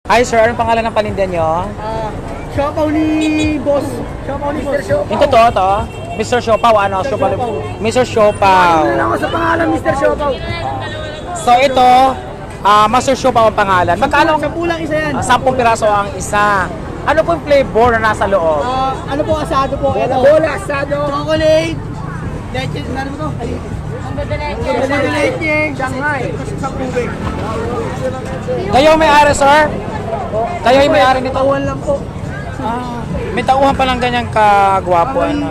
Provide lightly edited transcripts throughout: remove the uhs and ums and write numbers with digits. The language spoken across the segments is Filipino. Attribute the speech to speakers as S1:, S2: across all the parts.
S1: Hi sir, anong pangalan ng paninda nyo?
S2: Siopaw ni Boss. Siopaw ni Mr. Siopaw.
S1: Yung totoo to? Mr. Siopaw, ano? Siopaw. Mr. Siopaw.
S2: Ano ako sa pangalan Mr. Siopaw?
S1: So ito, Master Siopaw ang pangalan. Magkano?
S2: 10 lang isa yan.
S1: 10 piraso ang isa. Ano po yung flavor na nasa loob?
S2: Ano po asado po? Ito.
S3: Bola, asado.
S2: Chocolate. Leche, ano mo to? Leche.
S3: Shanghai.
S2: Sa tubig.
S1: Kayo may-ari sir? Kayo yung may-ari nito?
S2: Tawan lang po.
S1: May tauhan pa lang ganyang kagwapo. Ano?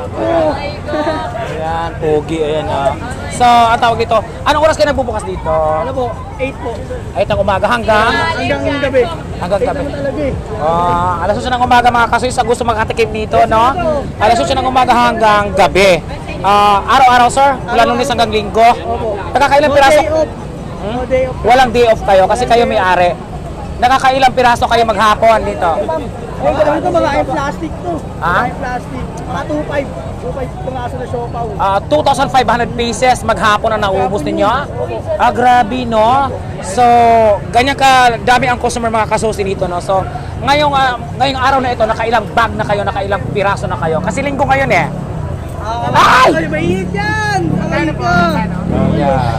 S1: Ayan, pogi. Ayan. So, ang tawag ito. Anong oras kayo nagbubukas dito?
S2: Ano po? 8 po.
S1: Ay, ng umaga hanggang?
S2: Hanggang gabi.
S1: Hanggang gabi.
S2: Talaga eh.
S1: Alas 8 ng umaga mga kasoy sa gusto makatikim dito, no? Alas 8 ng umaga hanggang gabi. Araw-araw, sir? Mula Lunes hanggang Linggo? Nakakailang
S2: No
S1: piraso?
S2: day off. No day off.
S1: Walang day off kayo kasi kayo may-ari. Nakakailang piraso kayo maghapon dito?
S2: Ay, ganun ito mga plastic to.
S1: Ha?
S2: Mga plastic. Mga 2.5. 2.5 piraso na siopaw.
S1: 2,500 pieces maghapon na naubos ninyo? Grabe, no? So, ganyan ka dami ang customer mga kasusi dito, no? So, ngayong araw na ito, nakailang bag na kayo, nakailang piraso na kayo. Kasi linggo ngayon eh. Ay!
S2: Ay, mainit yan! Ano po?
S1: Yeah.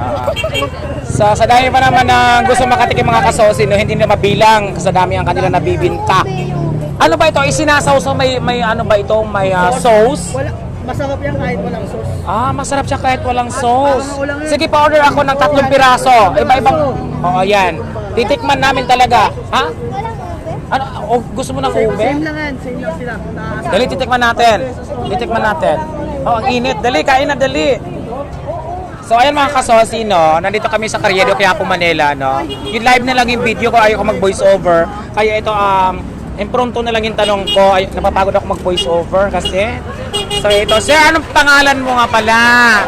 S1: Sa dami pa naman na gusto makatikim mga kasosi, no, hindi na mabilang sa dami ang kanila nabibinta. Ano ba ito? Isinasaw sa may ano ba ito? May sauce?
S2: Wala. Masarap yan kahit walang sauce.
S1: Masarap siya kahit walang sauce. Sige, pa-order ako ng 3 piraso. Iba-ibang. Oo, yan. Titikman namin talaga. Ha? Ano? Gusto mo ng ube?
S2: Same lang yan. Same lang sila.
S1: Dali, titikman natin. Titikman natin. Ang init. Dali, kain na, dali. So ayan mga kasosi, no, nandito kami sa Carriedo, Quiapo, Manila, no. Yung live na lang yung video ko, ayaw ko mag voice over. Kaya ito, impromptu na lang yung tanong ko, napapagod ako mag voice over kasi. So ito, sir, anong pangalan mo nga pala?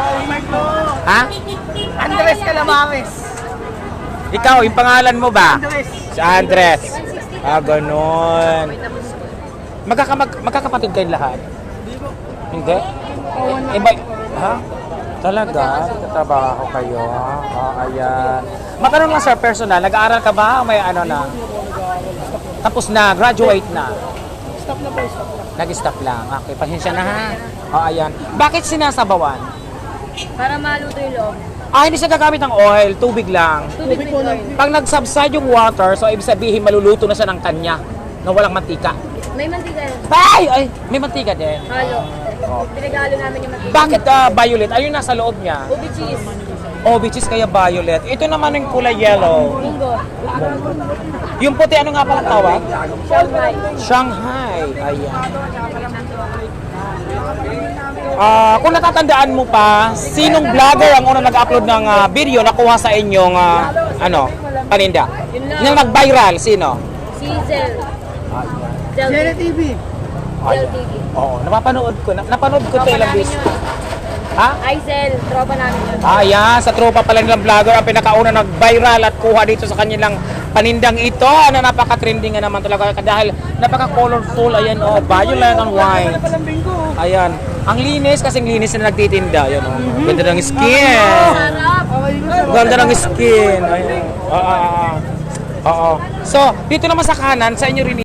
S1: Ha?
S2: Andres Calamares.
S1: Ikaw, yung pangalan mo ba?
S2: Andres.
S1: Si Andres. Ganun. Magkakapatid kayo lahat? Hindi? Iba, ha? Talaga? Tatrabaho kayo? Ayan. Matanong lang sir, personal, nag-aaral ka ba? O may ano na? Tapos na, graduate na?
S2: Stop na po, stop na.
S1: Nag-stop lang. Okay, pasensya na ha. Ayan. Bakit sinasabawan?
S4: Para maluto yung loob.
S1: Hindi siya gagamit ng oil, tubig lang.
S4: Tubig with oil.
S1: Pag nag-subside yung water, so ibig sabihin maluluto na siya ng kanya na walang mantika.
S4: May mantika yan.
S1: Ay! May mantika din.
S4: Halo. Pinagalo namin yung mantika.
S1: Bakit violet? Ayun nasa loob niya.
S4: Ubi cheese.
S1: Which is kaya violet. Ito naman yung kulay yellow.
S4: Munggo.
S1: Yung puti, ano nga pala tawag?
S4: Shanghai.
S1: Shanghai. Ayan. Kung natatandaan mo pa, sinong vlogger ang unang nag-upload ng video na kuha sa inyong paninda?
S4: Yun lang.
S1: Yung nag-viral, sino?
S4: Si Zel.
S2: Jere TV.
S4: Zel TV.
S1: Oo, napapanood ko. Napanood ko ito
S4: Tropa
S1: ilang
S4: namin
S1: beses.
S4: yun.
S1: Ha?
S4: Ay, Zel. Tropa namin yun.
S1: Yan. Sa tropa pala nilang vlogger ang pinakauna nag-viral at kuha dito sa kanilang panindang ito. Napaka-trending nga naman talaga dahil napaka-colorful. Ayan, violet and white. Ayan. Ang linis, kasing linis na nagtitinda. Ayan, Ganda ng skin.
S4: Sarap.
S1: Ganda ng skin. Ayan. So, dito naman sa kanan, sa inyo rin